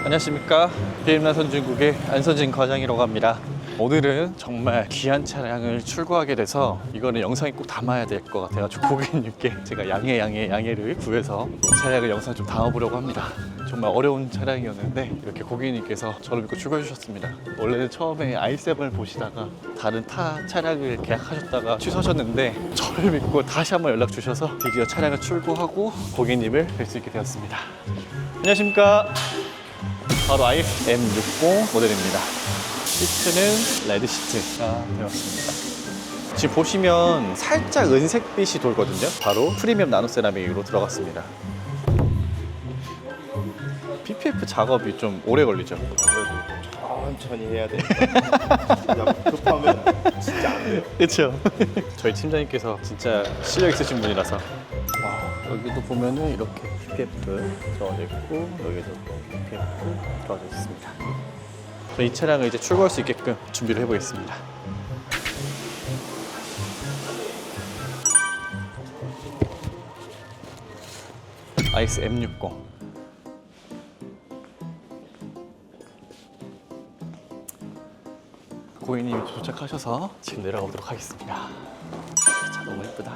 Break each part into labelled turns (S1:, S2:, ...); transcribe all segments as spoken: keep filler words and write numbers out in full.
S1: 안녕하십니까. 비엠나선진국의 안선진 과장이라고 합니다. 오늘은 정말 귀한 차량을 출고하게 돼서 이거는 영상에 꼭 담아야 될 것 같아가지고 고객님께 제가 양해 양해 양해를 구해서 차량을 영상에 좀 담아보려고 합니다. 정말 어려운 차량이었는데 이렇게 고객님께서 저를 믿고 출고해 주셨습니다. 원래는 처음에 아이 세븐을 보시다가 다른 타 차량을 계약하셨다가 취소하셨는데 저를 믿고 다시 한번 연락 주셔서 드디어 차량을 출고하고 고객님을 뵐 수 있게 되었습니다. 안녕하십니까. 바로 아이에스 엠 육십 모델입니다. 시트는 레드 시트가 되었습니다. 지금 보시면 살짝 은색빛이 돌거든요. 바로 프리미엄 나노 세라믹으로 들어갔습니다. 피피에프 작업이 좀 오래 걸리죠.
S2: 아무래도 천천히 해야 돼. 그냥 급하면 진짜 안 돼요.
S1: 그렇죠. 저희 팀장님께서 진짜 실력 있으신 분이라서. 와, 여기도 보면은 이렇게 피피에프 들어가져 있고 여기도 피피에프 들어가져 있습니다. 이 차량을 이제 출고할 수 있게끔 준비를 해보겠습니다. 아이에스 엠 육십. 고객님이 도착하셔서 지금 내려가 보도록 하겠습니다. 차 너무 예쁘다.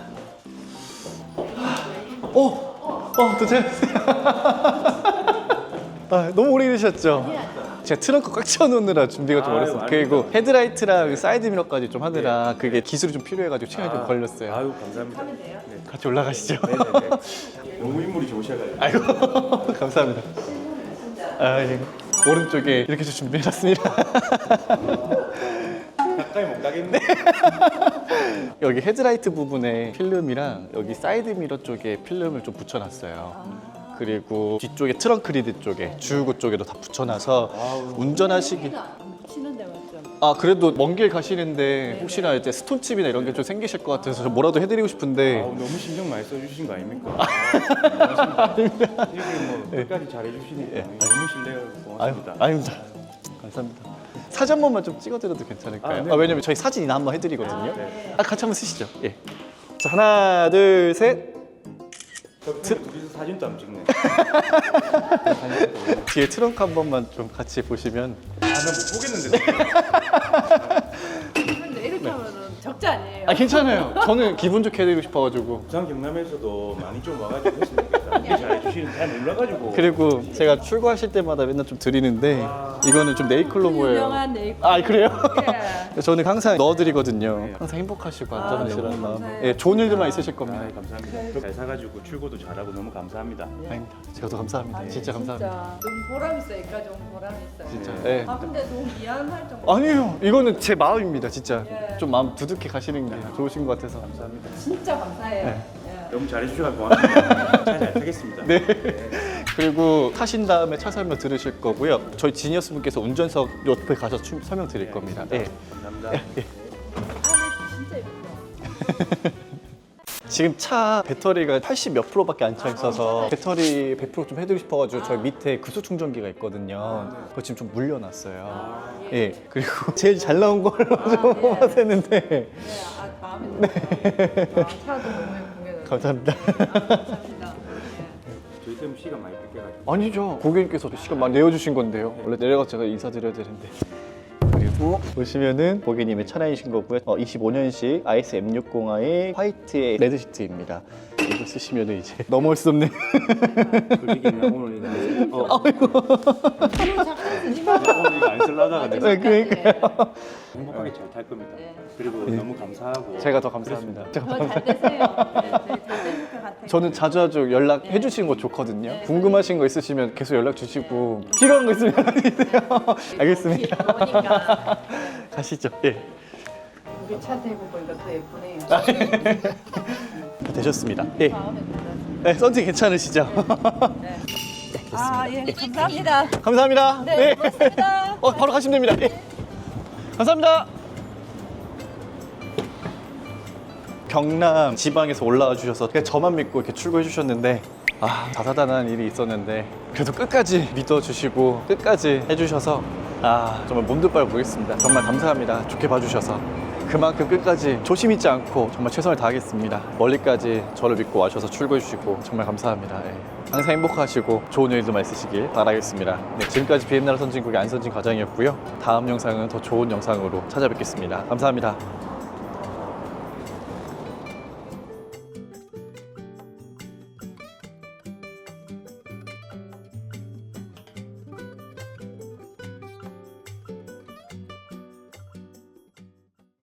S1: 어, 어, 도착했어요. 아, 너무 오래 계셨죠? 제가 트렁크 꽉 채워놓느라 준비가 좀 어렸어요. 그리고 헤드라이트랑 사이드 미러까지 좀 하느라
S2: 네.
S1: 그게 기술이 좀 필요해가지고 시간이
S2: 아,
S1: 좀 걸렸어요.
S2: 아유 감사합니다.
S1: 네, 같이 올라가시죠.
S2: 네네네. 너무 인물이 좋으셔가지고.
S1: 아이고, 감사합니다. 아, 예. 오른쪽에 이렇게 해서 준비해놨습니다.
S2: 가까이 못 가겠네.
S1: 여기 헤드라이트 부분에 필름이랑 여기 사이드 미러 쪽에 필름을 좀 붙여놨어요. 그리고 뒤쪽에 트렁크 리드 쪽에 주유구 쪽에도 다 붙여놔서
S2: 아우.
S1: 운전하시기.
S3: 치는 데만 좀.
S1: 아, 그래도 먼 길 가시는데 혹시나 이제 스톤칩이나 이런 게 좀 생기실 것 같아서 저 뭐라도 해드리고 싶은데.
S2: 아우, 너무 신경 많이 써주신 거 아닙니까? 아, 고맙습니다. 이렇게 뭐 끝까지 잘해주시니까 너무 신뢰가
S1: 아유,
S2: 고맙습니다.
S1: 아닙니다. 감사합니다. 사진 한 번만 좀 찍어드려도 괜찮을까요?
S2: 아, 네.
S1: 아, 왜냐면 저희 사진이나 한번 해드리거든요.
S2: 아, 네.
S1: 아, 같이 한번 쓰시죠. 예. 자, 하나, 둘, 셋.
S2: 저 둘이서 사진도 안 찍네.
S1: 뒤에 트렁크 한 번만 좀 같이 보시면.
S2: 아, 나 못 보겠는데.
S3: 근데 이렇게 하면은 적자 아니에요?
S1: 아, 괜찮아요. 저는 기분 좋게 해드리고 싶어가지고.
S2: 부산 경남에서도 많이 좀 와가지고 했으면 좋겠다. 이렇게 잘해주시는 잘 몰라가지고.
S1: 그리고 제가 출고하실 때마다 맨날 좀 드리는데 이거는 좀 네이클로 보여요.
S3: 유명한 네이클.
S1: 아, 그래요?
S3: 예.
S1: 저는 항상 넣어드리거든요.
S2: 네.
S1: 항상 행복하시고
S3: 아,
S1: 안전하시라는
S3: 너무
S1: 마음.
S3: 감사해요.
S1: 예, 좋은 일들만 있으실 겁니다.
S2: 아, 감사합니다. 잘 사가지고 출고도 잘하고 너무 감사합니다.
S1: 아닙니다. 제가 더 감사합니다. 진짜 감사합니다.
S3: 진짜 너무 보람 있어요. 여기까지 온 보람 있어요.
S1: 진짜.
S2: 네.
S1: 네.
S3: 아 근데 너무 미안할 정도.
S1: 아니에요. 이거는 제 마음입니다. 진짜.
S3: 예.
S1: 좀 마음 두둑히 가시는 게 좋으신 것 같아서.
S2: 감사합니다.
S3: 진짜 감사해요.
S1: 네.
S3: 예.
S2: 너무 잘해주셔서 고맙습니다. 잘, 잘 타겠습니다.
S1: 네. 그리고 타신 다음에 차 설명 들으실 거고요. 저희 지니어스 분께서 운전석 옆에 가서 춤 설명 드릴 겁니다. 예.
S2: 감사합니다.
S3: 안에 진짜 예뻐요.
S1: 지금 차 배터리가 팔십 몇 프로밖에 안 차 있어서 배터리 백 프로 좀 해드리고 싶어가지고 저희 밑에 급속 충전기가 있거든요. 그거 지금 좀 물려놨어요. 예. 그리고 제일 잘 나온 걸로 좀 뽑아봤는데.
S3: 네, 아, 마음에 들어요. 아, 차도 너무 예쁘게.
S1: 감사합니다.
S3: 아, 감사합니다.
S2: 저희 때문에 시간 많이 뺏겨가지고.
S1: 아니죠. 고객님께서 시간 많이 내어주신 건데요. 원래 내려가서 제가 인사드려야 되는데. 그리고 보시면은 고객님의 차량이신 거고요. 어, 이십오 년식 아이에스 엠 육십의 화이트의 레드 시트입니다. 이거 쓰시면은 이제 넘어올 수 없네.
S2: 솔직히 그냥 오늘 이거 안 쓸- 어,
S3: 서로 잠깐 쓰지마.
S2: 오늘 이거 안 쓸라다가 내가
S1: 네, 그러니까요.
S2: 행복하게 잘 탈 겁니다.
S3: 네.
S2: 그리고 너무 감사하고.
S1: 제가 더 감사합니다. 제가 더
S3: 더잘 되세요. 네, 네, 잘 되실 것 같아요.
S1: 저는 자주 자주 연락해 주시는 거 좋거든요. 궁금하신 거 있으시면 계속 연락 주시고 필요한 거 있으면 연락 주세요. 알겠습니다.
S3: 오니까
S1: 가시죠. 예.
S3: 우리 차 대고 보니까 더 예쁘네요.
S1: 되셨습니다. 예.
S3: 마음에 들어요.
S1: 네, 썬팅 괜찮으시죠?
S3: 네. 아, 예, 감사합니다.
S1: 감사합니다.
S3: 네, 고맙습니다.
S1: 어, 바로 가시면 됩니다. 예. 감사합니다. 경남 지방에서 올라와 주셔서 그냥 저만 믿고 이렇게 출고해 주셨는데 아, 다사다난한 일이 있었는데 그래도 끝까지 믿어주시고 끝까지 해주셔서 아, 정말 몸도 빨 보겠습니다. 정말 감사합니다. 좋게 봐주셔서. 그만큼 끝까지 조심 잊지 않고 정말 최선을 다하겠습니다. 멀리까지 저를 믿고 와셔서 출고해 주시고 정말 감사합니다. 예. 항상 행복하시고 좋은 일들만 있으시길 바라겠습니다. 네, 지금까지 비엔나라 선진국의 안선진 과장이었고요. 다음 영상은 더 좋은 영상으로 찾아뵙겠습니다. 감사합니다.